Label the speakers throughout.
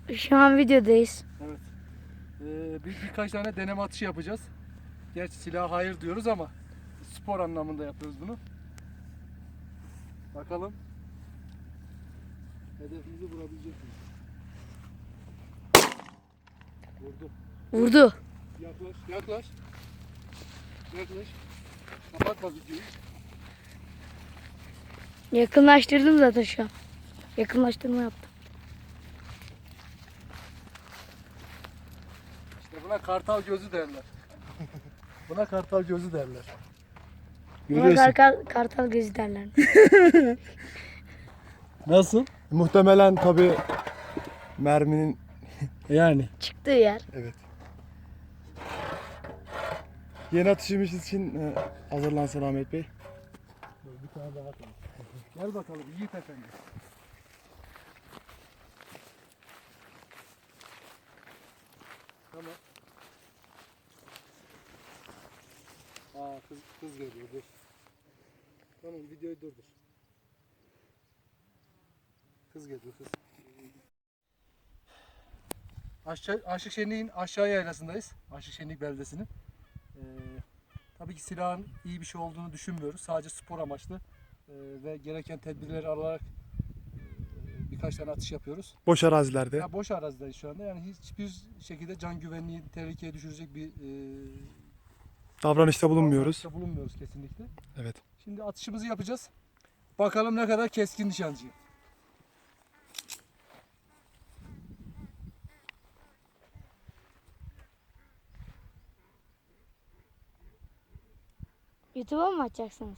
Speaker 1: Şu an videodayız.
Speaker 2: Evet. Birkaç tane deneme atışı yapacağız. Gerçi silaha hayır diyoruz ama spor anlamında yapıyoruz bunu. Bakalım hedefimizi vurabilecek miyiz? Vurdu.
Speaker 1: Vurdu.
Speaker 2: Yaklaş, yaklaş. Yaklaş. Kapatma videoyu.
Speaker 1: Yakınlaştırdım zaten şu an. Yakınlaştırma yaptım.
Speaker 2: İşte buna kartal gözü derler. Buna kartal gözü derler.
Speaker 1: Buna kartal gözü derler.
Speaker 2: Nasıl?
Speaker 3: Muhtemelen tabi merminin
Speaker 2: Yani.
Speaker 1: Çıktığı yer.
Speaker 3: evet. Yeni atışımız için hazırlansın Ahmet Bey.
Speaker 2: Bir tane daha atalım. Gel bakalım Yiğit Efendi. Tamam. Kız geliyor dur. Tamam videoyu durdur. Kız geliyor kız. Aşık Şenlik'in aşağı yaylasındayız. Aşık Şenlik beldesinin. Tabii ki silahın iyi bir şey olduğunu düşünmüyoruz. Sadece spor amaçlı ve gereken tedbirleri alarak birkaç tane atış yapıyoruz.
Speaker 3: Boş arazilerde.
Speaker 2: Ya boş arazideyiz şu anda. Yani hiçbir şekilde can güvenliği tehlikeye düşürecek bir
Speaker 3: Davranışta bulunmuyoruz.
Speaker 2: davranışta bulunmuyoruz kesinlikle.
Speaker 3: Evet.
Speaker 2: Şimdi atışımızı yapacağız. Bakalım ne kadar keskin nişancıyım.
Speaker 1: YouTube'a mı atacaksınız?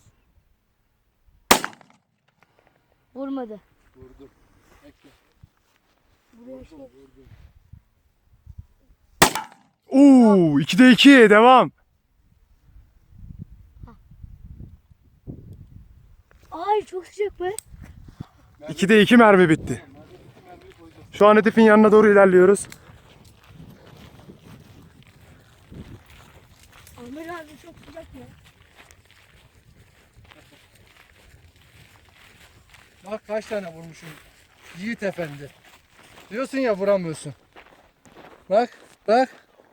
Speaker 1: Vurmadı.
Speaker 2: Vurdum. Bekle.
Speaker 1: Buraya şey...
Speaker 2: Vurdum.
Speaker 3: Oo, 2'de 2 devam.
Speaker 1: Ay çok sıcak be.
Speaker 3: 2'de 2 mermi bitti. Şu an hedefin yanına doğru ilerliyoruz.
Speaker 1: Ahmet abi çok sıcak ya.
Speaker 2: Bak kaç tane vurmuşum. Yiğit Efendi. Diyorsun ya vuramıyorsun. Bak, bak.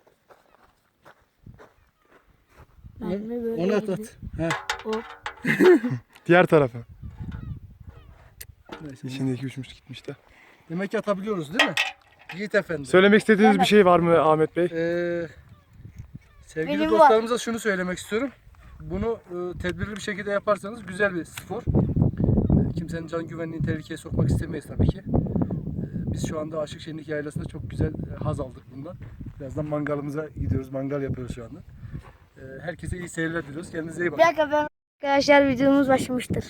Speaker 1: Mermi böyle
Speaker 2: Onu at
Speaker 1: girdi.
Speaker 2: at. Heh.
Speaker 1: Hop.
Speaker 3: Diğer tarafa.
Speaker 2: Neyse.
Speaker 3: İçindeki uçmuş gitmiş de.
Speaker 2: Demek ki atabiliyoruz değil mi? Yiğit Efendi.
Speaker 3: Söylemek istediğiniz bir şey var mı Ahmet Bey?
Speaker 2: Sevgili
Speaker 1: Benim
Speaker 2: dostlarımıza şunu söylemek istiyorum. Bunu tedbirli bir şekilde yaparsanız güzel bir spor. Kimsenin can güvenliğini tehlikeye sokmak istemeyiz tabii ki. Biz şu anda Aşık Şenlik Yaylası'nda çok güzel haz aldık bundan. Birazdan mangalımıza gidiyoruz. Mangal yapıyoruz şu anda. Herkese iyi seyirler diliyoruz. Kendinize iyi
Speaker 1: Bir
Speaker 2: bakın.
Speaker 1: dakika ben... Arkadaşlar videomuz başlamıştır.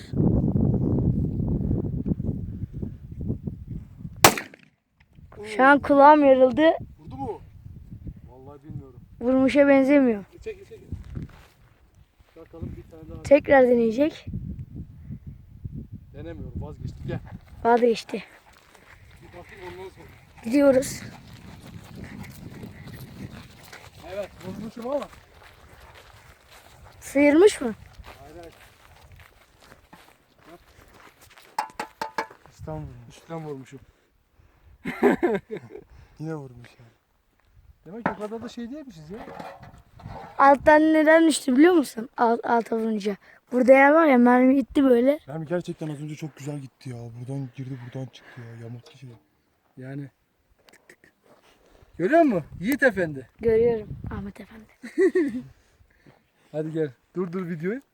Speaker 1: Şu an kulağım yarıldı.
Speaker 2: Vurdu mu? Vallahi bilmiyorum.
Speaker 1: Vurmuşa benzemiyor.
Speaker 2: Çek, çek. Bakalım bir tane daha.
Speaker 1: Tekrar deneyecek.
Speaker 2: Denemiyorum. Vazgeçtim. Gel.
Speaker 1: Vazgeçti.
Speaker 2: Bir bakayım ondan sonra.
Speaker 1: Gidiyoruz.
Speaker 2: Evet. Vurmuşum ama.
Speaker 1: Sıyırmış mı?
Speaker 2: Hayır hayır.
Speaker 3: İstanbul.
Speaker 2: Üstten vurmuşum.
Speaker 3: Yine vurmuş ya.
Speaker 2: Demek ki o kadar da şey değilmişiz ya.
Speaker 1: Alttan neden düştü biliyor musun? Alta vurunca. Burada yer var ya mermi gitti böyle.
Speaker 3: Mermi gerçekten az önce çok güzel gitti ya. Buradan girdi buradan çıktı ya. Yamulttu şey.
Speaker 2: Yani. Tık tık. Görüyor musun? Yiğit Efendi.
Speaker 1: Görüyorum Ahmet Efendi.
Speaker 2: Hadi gel. Durdur videoyu.